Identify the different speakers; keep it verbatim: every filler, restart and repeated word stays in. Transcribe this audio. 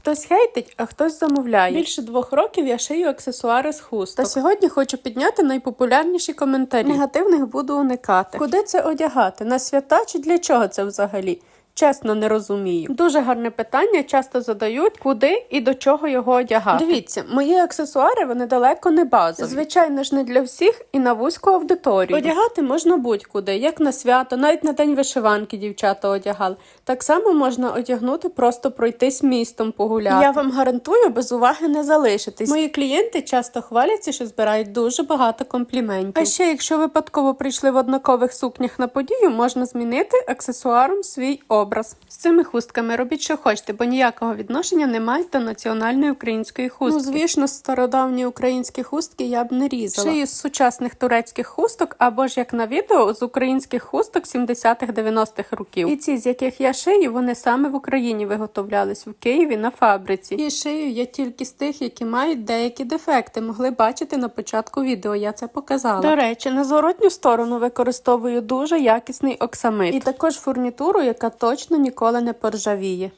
Speaker 1: Хтось хейтить, а хтось замовляє. Більше двох років я шию аксесуари з хусток. Та сьогодні хочу підняти найпопулярніші коментарі. Негативних буду уникати. Куди це одягати? На свята чи для чого це взагалі? Чесно, не розумію. Дуже гарне питання, часто задають, куди і до чого його одягати. Дивіться, мої аксесуари, вони далеко не базові. Звичайно ж, не для всіх і на вузьку аудиторію. Одягати можна будь-куди, як на свято, навіть на день вишиванки дівчата одягали. Так само можна одягнути, просто пройтись містом погуляти. Я вам гарантую, без уваги не залишитись. Мої клієнти часто хваляться, що збирають дуже багато компліментів. А ще, якщо випадково прийшли в однакових сукнях на подію, можна змінити аксесуаром свій образ. З цими хустками робіть, що хочете, бо ніякого відношення не мають до національної української хустки. Ну, звісно, стародавні українські хустки я б не різала. Шию з сучасних турецьких хусток, або ж, як на відео, з українських хусток сімдесятих-дев'яностих років. І ці, з яких я шию, вони саме в Україні виготовлялись, в Києві на фабриці. І шию я тільки з тих, які мають деякі дефекти. Могли бачити на початку відео, я це показала. До речі, на зворотню сторону використовую дуже якісний оксамит. І також фурнітуру, яка точно ніколи не поржавіє.